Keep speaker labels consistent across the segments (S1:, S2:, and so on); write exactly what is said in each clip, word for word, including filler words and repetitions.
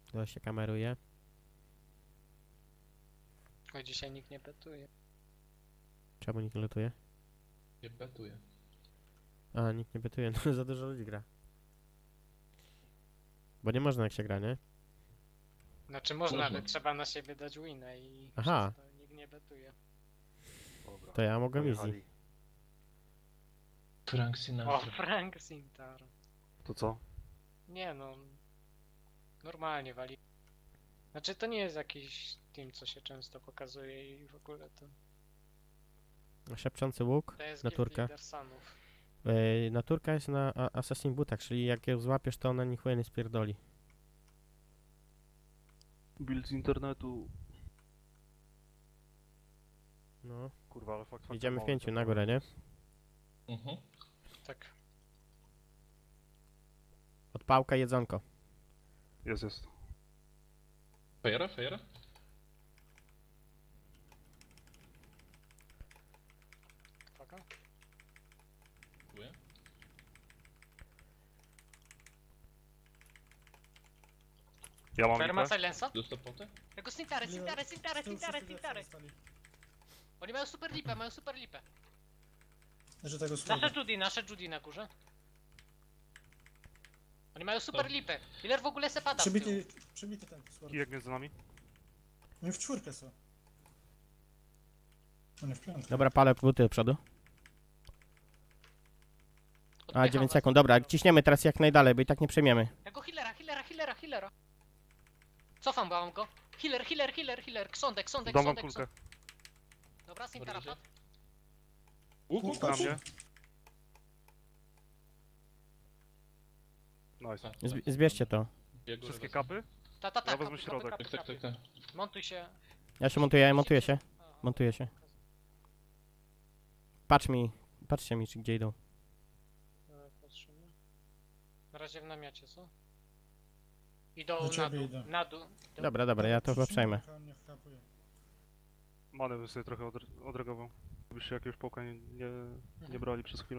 S1: To się kameruje.
S2: Oj, dzisiaj nikt nie petuje.
S1: Czemu nikt nie lutuje?
S3: Nie betuję.
S1: A, nikt nie betuje, no za dużo ludzi gra. Bo nie można jak się gra, nie?
S2: Znaczy można,
S3: Można.
S2: ale trzeba na siebie dać wina i
S1: Aha.
S2: przez to nikt nie betuje.
S4: Dobra.
S1: To ja mogę easy.
S4: Pojechali.
S3: Frank
S2: O,
S3: Sinatra.
S2: Frank Sintar.
S4: To co?
S2: Nie no. Normalnie wali. Znaczy to nie jest jakiś team, co się często pokazuje i w ogóle to.
S1: Szepczący łuk,
S2: To jest
S1: naturka.
S2: Guild Leader Sunów.
S1: Yy, naturka jest na a- Assassin Bootach, czyli jak ją złapiesz, to ona ni chuja nie spierdoli.
S4: Build z internetu.
S1: No.
S4: Kurwa, ale fakt faktem
S1: Idziemy w
S4: mały
S1: pięciu
S4: ten
S1: na górę, nie?
S3: Mhm.
S2: Tak.
S1: Odpałka, jedzonko.
S4: Jest, jest.
S3: Fejera, fejera?
S2: Uwaga.
S3: Dziękuję.
S4: Ja mam
S2: Ferma
S4: lipę.
S2: Silensa?
S3: Dostał potę?
S2: Tego Sintare, Sintare, Sintare, Sintare, Sintare. Oni mają super lipę, mają super lipę.
S5: Że tego słowa.
S2: Nasze Judy, nasze Judy na górze. Oni mają super
S3: To-
S2: lipę. Killer w ogóle se pada w tył.
S5: Przebity, przebity ten słord.
S4: Kijek między nami.
S5: Oni w czwórkę są. Oni w piątkę.
S1: Dobra, palę buty do przodu. A,
S2: Odpycham
S1: dziewięć
S2: was.
S1: sekund, dobra, ciśniemy teraz jak najdalej, bo i tak nie przejmiemy.
S2: Tego healera, healera, healera, healera. Cofam, bałam go. Healer, healer, healer, healer. Ksądek, ksądek,
S4: Dam wam
S2: ksądek,
S4: kulkę.
S2: ksądek. Dobra, Sintara
S3: Dobrze.
S2: padł.
S3: Łuk, łuk,
S4: Na
S3: łuk.
S4: mnie. Nice.
S1: Zb zbierzcie to.
S3: Ja górę
S4: Wszystkie
S3: wezmę.
S4: kapy?
S2: Ta, ta, ta.
S4: Ja wezmę
S2: kapy,
S4: środek.
S2: kapy,
S3: Tak, tak,
S2: kapy,
S3: tak,
S2: kapy.
S3: tak.
S2: Montuj się.
S1: Ja się montuję, montuję się.
S2: Aha,
S1: Montuję się.
S2: pokazuję.
S1: Patrz mi, patrzcie mi, czy gdzie idą.
S2: Dobra, patrzymy. Na razie w namiocie, co? Idą
S5: Do
S2: na
S5: ciebie
S2: dół,
S5: idę.
S2: na dół. Idą.
S1: Dobra, dobra, ja to chyba przejmę.
S5: Nie wchapuje.
S4: Manę bym sobie trochę odre- odreagował. Gdybyście jakiegoś połka nie, nie, nie
S2: Mhm.
S4: brali przez chwilę.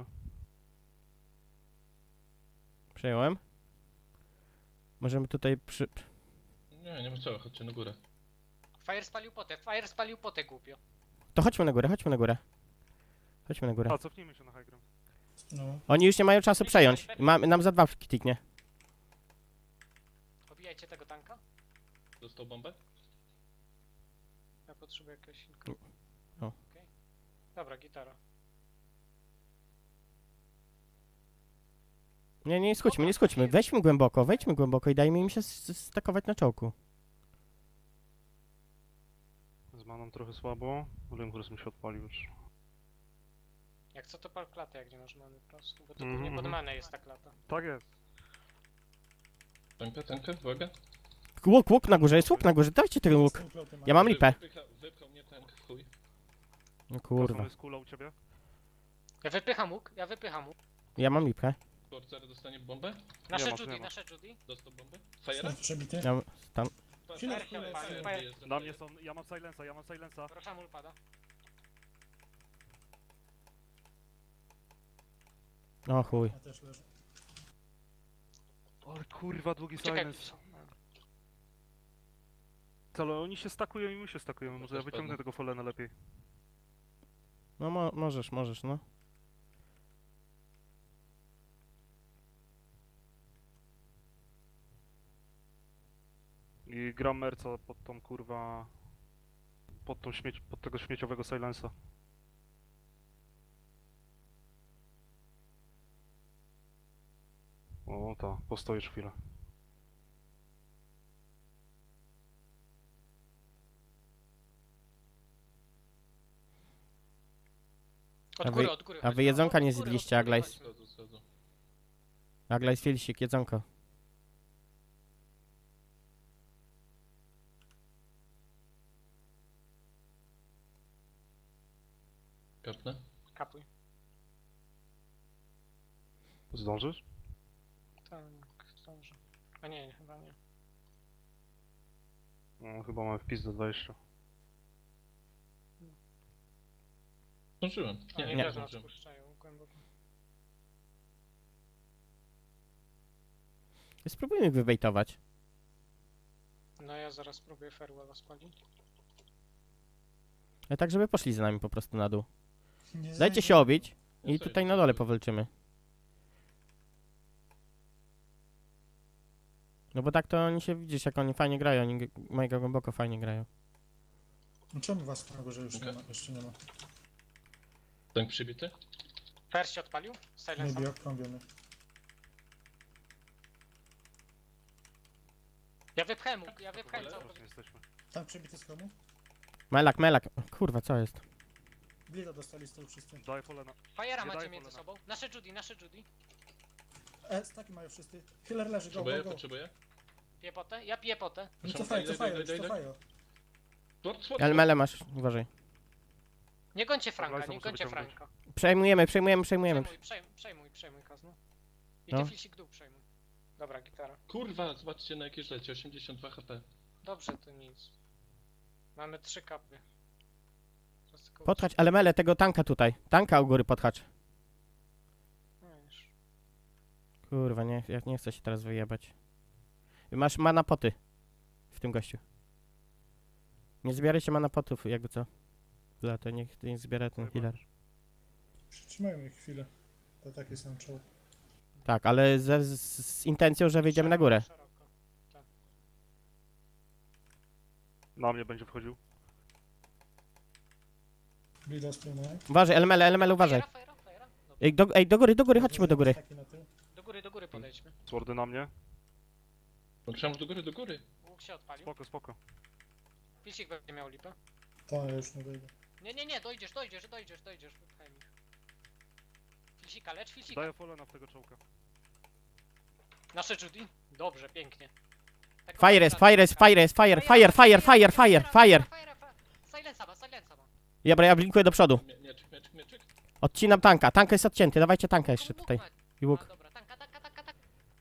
S1: Przejąłem. Możemy tutaj przy...
S3: Nie, nie ma co, chodźcie na górę.
S2: Fire spalił potę, Fire spalił potę głupio.
S1: To chodźmy na górę, chodźmy na górę. Chodźmy na górę.
S4: A, cofnijmy się na high ground.
S5: No.
S1: Oni już nie mają czasu przejąć. Ma, nam za dwa kliknie.
S2: Pobijajcie tego tanka.
S3: Dostał bombę?
S2: Ja potrzebuję jakiegoś innego.
S1: O.
S2: Okej. Dobra, gitara.
S1: Nie, nie skróćmy, nie skróćmy. Wejdźmy głęboko, wejdźmy głęboko i dajmy im się s- s- stakować na czołku.
S4: Z maną trochę słabo. Lymhurst mi się odpalił już.
S2: Jak co to pal klatę, jak nie masz many po prostu. Bo to
S4: Mhm,
S2: głównie pod
S4: mhm.
S2: manę jest ta klata.
S4: Tak jest.
S3: Tankę, tankę, uwaga.
S1: Łuk, łuk na górze, jest łuk na górze, dajcie ten łuk. Ja mam lipę.
S3: Wypycha, wypchał mnie tank, chuj.
S1: No
S4: Kurwa.
S1: kurwa.
S4: jest kula u ciebie?
S2: Ja wypycham łuk, ja wypycham łuk.
S1: Ja mam lipę.
S3: Korcer dostanie bombę?
S2: Nasze
S4: masz, nie
S2: Judy,
S4: ma.
S2: nasze Judy.
S3: Dostał bombę? Fejera?
S5: Przebity.
S1: Ja, tam.
S5: Chwilę,
S2: Fire,
S5: chwilę,
S2: fire,
S5: chwilę.
S2: fire.
S3: wyjeżdża,
S4: Na mnie
S3: fejera.
S4: są, ja mam silensa, ja mam silensa.
S2: Roshamul pada.
S1: O chuj.
S5: Ja też leżę.
S4: O kurwa, długi
S2: Czekaj.
S4: silence. Ale oni się stakują i my się stakujemy. Może ja
S3: Też
S4: wyciągnę
S3: padnę.
S4: tego Folena lepiej.
S1: No mo możesz, możesz, no.
S4: I gram Merca pod tą kurwa... Pod, tą śmieć, pod tego śmieciowego silensa. O ta, postoisz chwilę.
S2: Od
S1: A
S2: góry,
S1: wy-
S2: od góry.
S1: a wy
S2: chodźmy.
S1: jedzonka
S2: Od
S1: nie
S2: góry, od
S1: zjedliście,
S2: góry
S1: Aglajs?
S2: chodźmy.
S3: Schodzą, schodzą.
S1: Agla jest filsik, jedzonko.
S3: Kapnę?
S2: Kapuj.
S4: Zdążysz?
S2: Tak, zdążę. A nie, chyba nie.
S4: No, chyba mamy wpis do dwadzieścia.
S3: Zdążyłem.
S2: Nie,
S3: Nie,
S2: nie,
S3: nie
S2: też nas
S3: zdążyłem.
S2: puszczają głęboko.
S1: Spróbujmy ich wybejtować.
S2: No ja zaraz spróbuję Farewella spalić.
S1: Ale tak, żeby poszli za nami po prostu na dół.
S5: Nie
S1: Dajcie
S5: zajdę.
S1: się obić
S3: Ja
S1: i
S3: sobie
S1: tutaj
S3: to
S1: na dole
S3: zrobię.
S1: powalczymy. No bo tak to oni się, widzisz, jak oni fajnie grają, oni g- mega głęboko fajnie grają.
S5: No czemu was na górze już nie
S3: Okej.
S5: ma? Jeszcze nie ma.
S3: Tank przybity?
S2: First się odpalił? Silence.
S5: Maybe okrąbiony.
S2: Ja wypchałem łuk, ja wypchałem
S3: Ale-
S2: cały
S4: Teraz nie jesteśmy.
S5: Tam przebity z chromu?
S1: Melak, melak. Kurwa, co jest?
S5: Blida dostali z tyłu wszyscy.
S4: Daj polena.
S2: Fajera
S4: Nie
S2: macie
S4: daj
S2: między
S4: polena.
S2: sobą. Nasze Judy, nasze Judy.
S5: E, staki mają wszyscy. Healer leży, go,
S3: Potrzebuję,
S5: go, go.
S3: potrzebuję.
S2: Piję potę? Ja piję potę.
S5: No
S3: Proszę,
S5: cofają,
S3: daj, daj,
S5: cofają,
S3: daj,
S5: już
S3: daj, daj.
S5: cofają.
S3: Sword, sword,
S1: Ale
S3: sword.
S1: mele masz, uważaj.
S2: Nie gońcie Franka,
S4: Dobra,
S2: nie
S4: muszę
S2: gońcie
S4: wyciągnąć.
S2: Franka.
S1: Przejmujemy, przejmujemy, przejmujemy.
S2: Przejmuj, przejmuj, przejmuj, przejmuj Kazno. I
S1: No.
S2: ty filsik dół przejmuj. Dobra, gitara.
S3: Kurwa, zobaczcie na jakie leci, osiemdziesiąt dwa H P.
S2: Dobrze, to nic. Mamy trzy kapy. Teraz tylko-
S1: Podchacz, ale mele tego tanka tutaj. Tanka u góry podchacz.
S2: No już.
S1: Kurwa, nie, ja nie chcę się teraz wyjebać. Masz mana poty w tym gościu. Nie zbierajcie mana potów, jakby co. Dla to niech nie zbiera ten healer.
S5: Przytrzymajmy ich chwilę. To takie są czoło.
S1: Tak, ale ze, z, z intencją, że wyjdziemy na górę.
S2: Szeroko.
S4: Na mnie będzie wchodził.
S5: Blida z tyłu mają.
S1: Uważaj, Elmele, Elmele, uważaj.
S2: Fajera, fajera, fajera. Dobra.
S1: Ej do, ej, do góry, do góry, chodźmy do góry.
S5: Staki na tył.
S2: Do góry, do góry podejdźmy.
S4: Swordy na mnie.
S3: Myślałem, że do góry, do góry.
S2: Łuk się odpalił.
S4: Spoko, spoko.
S2: Filsik będzie miał lipę.
S5: To ja już nie wyjdę.
S2: Nie, nie, nie, dojdziesz, dojdziesz, dojdziesz, dojdziesz. Wypchaj mi. Filsika, lecz filsika.
S4: Daję polena w tego czołka.
S2: Nasze Judy? Dobrze, pięknie. Tak
S1: Fire jest, fire jest, fire jest, fire, fire, fire, fire, fire, fire.
S2: Silensa ma, silensa ma.
S1: Dobra, ja blinkuję do przodu.
S3: Mie- Mieczyk, mieczyk, mieczyk.
S1: Odcinam tanka. Tank jest odcięty, dawajcie tanka jeszcze
S2: Łuk
S1: tutaj.
S2: ma.
S1: I
S2: A,
S1: łuk.
S2: dobra, tanka, tanka, tanka, tanka.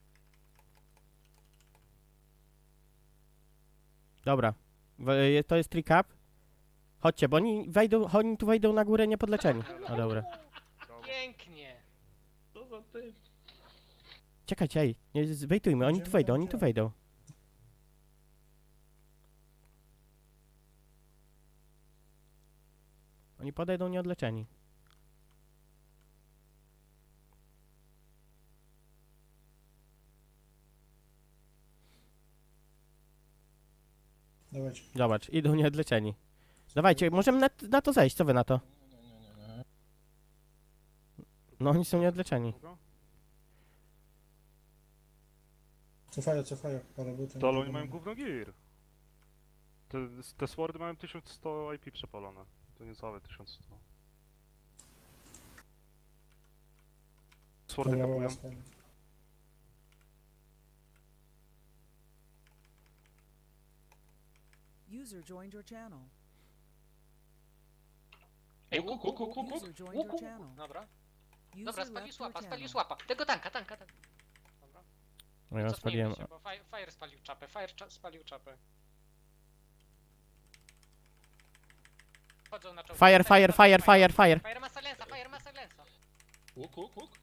S1: Dobra. W- To jest trick up. Chodźcie, bo oni wejdą, oni tu wejdą na górę niepodleczeni. No dobra.
S4: Brawo.
S2: Pięknie.
S3: Co za ty?
S1: Czekajcie, ej, nie, z- wejtujmy, oni tu wejdą, oni tu wejdą. Oni podejdą nieodleczeni.
S5: Dawajcie.
S1: Zobacz, idą nieodleczeni. Dawajcie, możemy na, na to zejść, co wy na to?
S3: Nie, nie, nie, nie.
S1: No oni są nieodleczeni.
S4: Długo?
S5: Cofają, cofają. Parę buty.
S4: To ale oni mają gówno gear. Te, te swordy mają tysiąc sto I P przepalone. To niecałe tysiąc sto. Swordy
S5: Dobra,
S4: kapują.
S5: dobra, spali.
S6: User joined your channel.
S2: Ej,
S3: Łuk,
S2: łuk,
S3: łuk,
S2: łuk,
S3: łuk, łuk, łuk.
S6: User joined
S2: łuk,
S6: your
S2: łuk.
S6: channel.
S2: Dobra,
S6: User
S2: dobra,
S6: left
S2: spalił
S6: your
S2: słapa, spalił
S6: channel.
S2: słapa. Tego tanka, tanka, tanka. Dobra,
S1: No ja
S2: cofnijmy
S1: spaliłem.
S2: się, bo fire, fire spalił czapę, fire cza spalił czapę. Chodzą na czołg.
S1: Fire, fire, fire, fire, fire.
S2: Fire ma silensa, fire ma silensa.
S3: Łuk, łuk, łuk.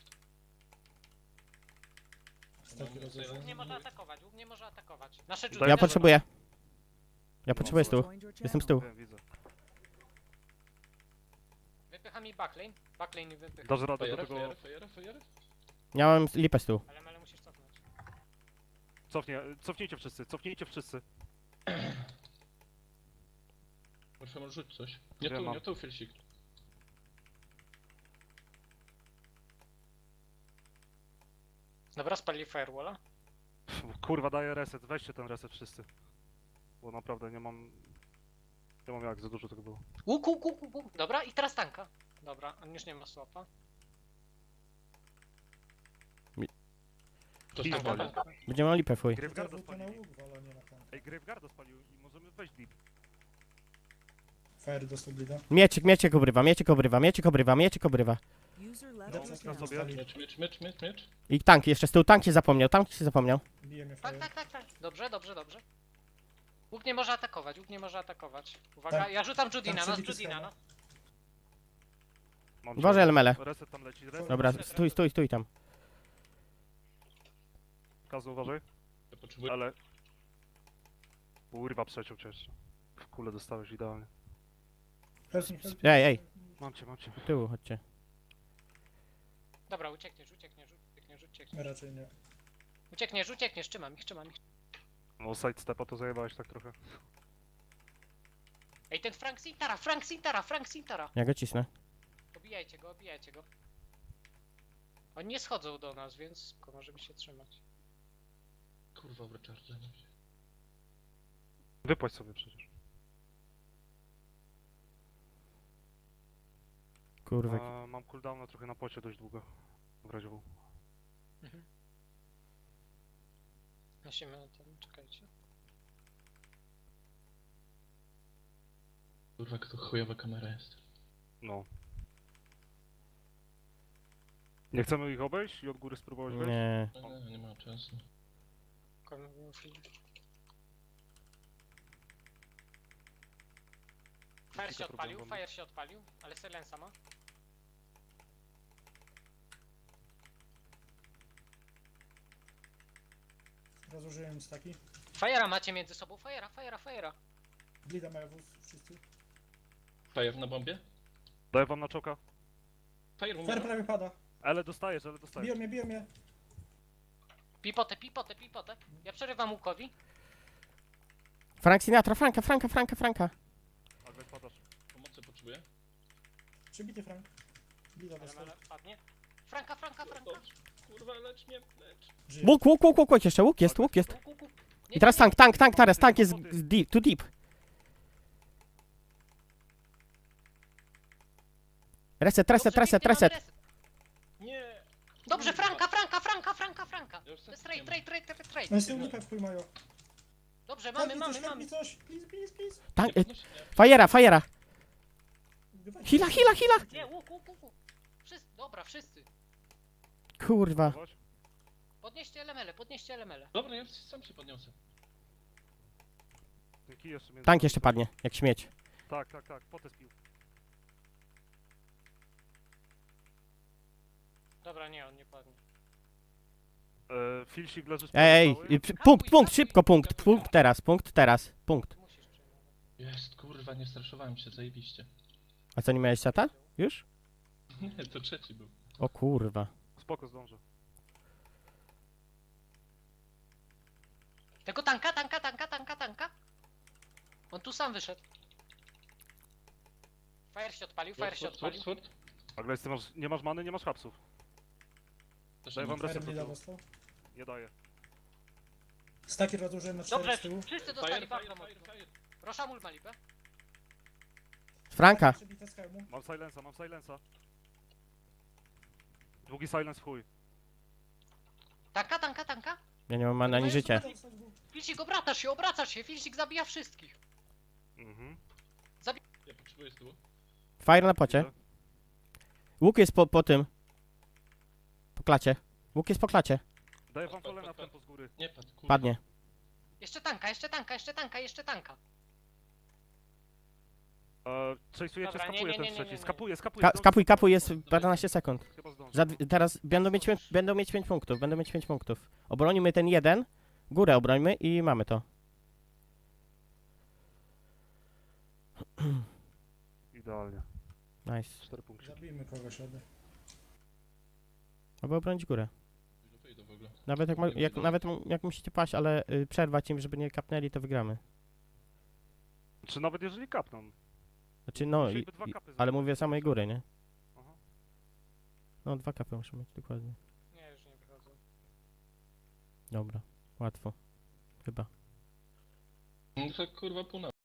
S5: Staki
S3: No,
S5: rozłożone.
S2: Łuk nie może atakować, łuk nie może atakować. Nasze Judy.
S4: Daj-
S1: Ja
S2: nasze-
S1: potrzebuję. Ja potrzebuję
S4: User
S1: stół.
S6: Joined your
S1: Jestem z
S6: channel.
S1: tyłu.
S4: Wiem, widzę.
S2: Wypycha mi backlane, backlane wypycha.
S4: Dasz radę do
S3: Fajera,
S4: tego...
S3: fajera, fajera, fajera.
S1: Ja mam lipę z tyłu.
S2: Ale, ale musisz cofnąć.
S4: Cofnie, cofnijcie wszyscy, cofnijcie wszyscy.
S3: Proszę, może rzuć coś. Nie
S4: Wiem,
S3: tu,
S4: mam.
S3: nie tu, Filsik.
S2: Dobra, spalili firewalla.
S4: Kurwa, daję reset, weźcie ten reset wszyscy. Bo naprawdę nie mam... Nie mam jak, za dużo tego było.
S2: Łuk, łuk, łuk, łuk, łuk. Dobra, i teraz tanka. Dobra, on już nie ma słapa.
S3: To
S4: Tanka,
S3: spowoli.
S2: Tanka, tanka.
S1: Będziemy miał lipę, fuj.
S4: Graveguarda
S5: To na
S4: spalili.
S5: łuk wala, nie na tank.
S4: Ej, Graveguarda spalił i możemy wejść deep.
S5: Fire dostał blida.
S1: Mieczyk, mieczyk obrywa, mieczyk obrywa, mieczyk obrywa, mieczyk obrywa.
S6: User left
S5: No,
S6: your
S5: na
S6: channel.
S5: sobie.
S3: Miecz, miecz, miecz, miecz, miecz.
S1: I tank jeszcze z tyłu, tank się zapomniał, tank się zapomniał.
S5: Bije mnie
S2: Tak,
S5: fire.
S2: tak, tak, tak. Dobrze, dobrze, dobrze. Łuk nie może atakować, łuk nie może atakować. Uwaga,
S5: Tak.
S2: ja rzucam Judy
S5: Tam
S2: na nas,
S5: przebity
S2: Judy na
S5: schema.
S2: nas.
S4: Mam
S1: Uważaj,
S4: cię.
S1: Elmele.
S4: Reset tam leci, reset.
S1: Dobra, stój, stój, stój tam.
S4: Kazu, uważaj.
S3: Ja potrzebuję.
S4: Ale Kurwa, przeciął cię jeszcze. W kulę dostałeś idealnie.
S5: Help me, help
S1: Ej, ej,
S4: Mam cię, mam cię.
S1: do tyłu, chodźcie.
S2: Dobra, uciekniesz, uciekniesz, uciekniesz,
S5: me.
S2: uciekniesz.
S5: Raczej nie.
S2: Uciekniesz, uciekniesz, trzymam ich, trzymam ich.
S4: No sidestepa to zajebałeś tak trochę.
S2: Ej, ten Frank Sintara, Frank Sintara, Frank Sintara!
S1: Ja go cisnę.
S2: Obijajcie go, obijajcie go. Oni nie schodzą do nas, więc możemy się trzymać.
S3: Kurwa, w recharge.
S4: Wypłać sobie przecież.
S1: Kurwa.
S4: A, mam cooldowna trochę na pocie dość długo. W razie W.
S2: Mhm. Musimy na ten, czekajcie.
S3: Kurwa, to chujowa kamera jest.
S4: No. Nie chcemy ich obejść i od góry spróbować wejść?
S1: Nie.
S3: No, nie, nie ma czasu.
S2: Fire się
S4: Kilka
S2: odpalił,
S4: problemów.
S2: fire się odpalił, ale silensa ma.
S5: Rozłożyłem staki.
S2: Fire'a macie między sobą, fire'a, fire'a, fire'a.
S5: Blida mają wóz, wszyscy.
S3: Fire na bombie?
S4: Daję wam na czoka.
S3: Fire
S5: Fer
S3: umiera.
S5: prawie pada.
S4: Ale dostajesz, ale dostajesz.
S5: Biją mnie, biją mnie.
S2: Pipotę, pipotę, pipotę. Ja przerywam łukowi.
S1: Frank Sinatra, Franka, Franka, Franka, Franka.
S4: Ale padasz.
S3: Pomocy potrzebuję?
S5: Przybity Frank. Blida
S2: Ale
S5: dostał.
S2: mele padnie. Franka, Franka, Franka.
S3: Dobrze. Kurwa, lecz mnie, lecz.
S5: Żyje.
S1: Łuk, łuk, łuk, łuk, łuk jeszcze, łuk jest, łuk jest.
S2: Łuk, łuk, łuk. Nie,
S1: I teraz
S2: nie, nie.
S1: tank, tank, tank, teraz tank jest z deep, too deep. Reset, reset,
S2: Dobrze,
S1: reset,
S2: pięknie, mamy
S1: reset.
S3: Nie!
S2: Dobrze,
S3: Kurwa.
S2: Franka, Franka, Franka, Franka, Franka.
S3: Ja już
S2: To jest
S3: tak
S2: trade, trade, trade, trade, trade.
S5: No i z tyłu lipę w chuj mają.
S2: Dobrze,
S5: Help
S2: mamy,
S5: me
S2: mamy,
S5: coś, help
S2: mamy.
S5: me coś. Please, please, please.
S1: Tank,
S3: Nie
S1: e,
S3: podnosi mnie.
S1: fajera, fajera.
S5: Dawajcie.
S1: Hila, hila, hila.
S2: Nie, łuk, łuk, łuk. łuk. Wszyscy, dobra, wszyscy.
S1: Kurwa.
S4: Zobacz.
S2: Podnieście elemele, podnieście elemele.
S3: Dobra, ja sam się podniosę.
S4: Ten kij jeszcze między...
S1: Tank jeszcze padnie, jak śmieć.
S4: Tak, tak, tak. Potę spił.
S2: Dobra, nie, on nie padnie.
S4: E, Filsik leży z
S1: Ej,
S4: cały.
S1: ej, przy- punkt, punkt, szybko, punkt, punkt teraz, punkt teraz, punkt.
S2: Musisz przyjmować.
S3: Jest, kurwa, nie straszowałem się, zajebiście.
S1: A co, nie miałeś seta? Już?
S3: Nie, to trzeci był.
S1: O kurwa.
S4: Spoko, zdążę.
S2: Tego tanka, tanka, tanka, tanka, tanka. On tu sam wyszedł. Fire się odpalił, fire się
S3: Sword, sword,
S2: odpalił.
S3: sword.
S4: Agles, ty masz, nie masz many, nie masz hapsów.
S3: Też
S4: Daj
S3: nie
S4: wam
S3: ma.
S5: Fer
S4: reset do
S5: Blida
S4: tyłu.
S5: dostał.
S4: Nie daję.
S5: Staki rozłożyłem na cztery
S2: Dobrze,
S5: z tyłu.
S2: wszyscy
S3: Fire,
S2: dostali
S3: fire,
S2: bardzo
S3: fire,
S2: mocno.
S3: fire.
S2: Roszamul ma lipę.
S1: Franka.
S5: Przebite z hełmu.
S4: Mam silensa, mam silensa. Długi silence w chuj.
S2: Tanka, tanka, tanka.
S1: Ja nie mam mana ani życia.
S2: Filsik, obracasz się, obracasz się. Filsik zabija wszystkich.
S4: Mhm.
S3: Ja potrzebuję z tyłu.
S1: Fire na pocie.
S4: Idę.
S1: Łuk jest po, po tym. Po klacie. Łuk jest po klacie.
S4: Daję wam
S3: Pad, pad,
S4: polena
S3: pad,
S4: w tempo z góry.
S3: Nie padł, kurwa.
S1: Padnie.
S2: Jeszcze tanka, jeszcze tanka, jeszcze tanka, jeszcze tanka.
S4: E, Chase'ujecie,
S2: Dobra, nie,
S4: skapuje
S2: nie,
S4: ten
S2: nie, nie,
S4: trzeci.
S2: nie.
S4: Skapuje, skapuje.
S1: Ka
S4: zdąży.
S1: skapuj, kapuj, jest paręnaście sekund.
S4: Chyba zdąży.
S1: Za, dwie- teraz będą mieć, pię- będą mieć pięć punktów, będą mieć pięć punktów. Obronimy ten jeden, górę obrońmy i mamy to.
S4: Idealnie.
S1: Nice.
S4: cztery punkty.
S5: Zabijmy kogoś ode.
S1: Aby obronić górę.
S3: Wyjdę, wyjdę w ogóle.
S1: Nawet jak, ma, jak, nawet m- jak musicie paść, ale y, przerwać im, żeby nie kapnęli, to wygramy.
S4: Czy nawet jeżeli kapną.
S1: Znaczy no, i,
S4: Musieliby dwa
S1: i,
S4: kapy
S1: ale
S4: zrobić.
S1: mówię samej góry, nie?
S4: Aha.
S1: No, dwa kapy muszę mieć, dokładnie.
S2: Nie, już nie wychodzą.
S1: Dobra, łatwo. Chyba.
S3: No to kurwa pół na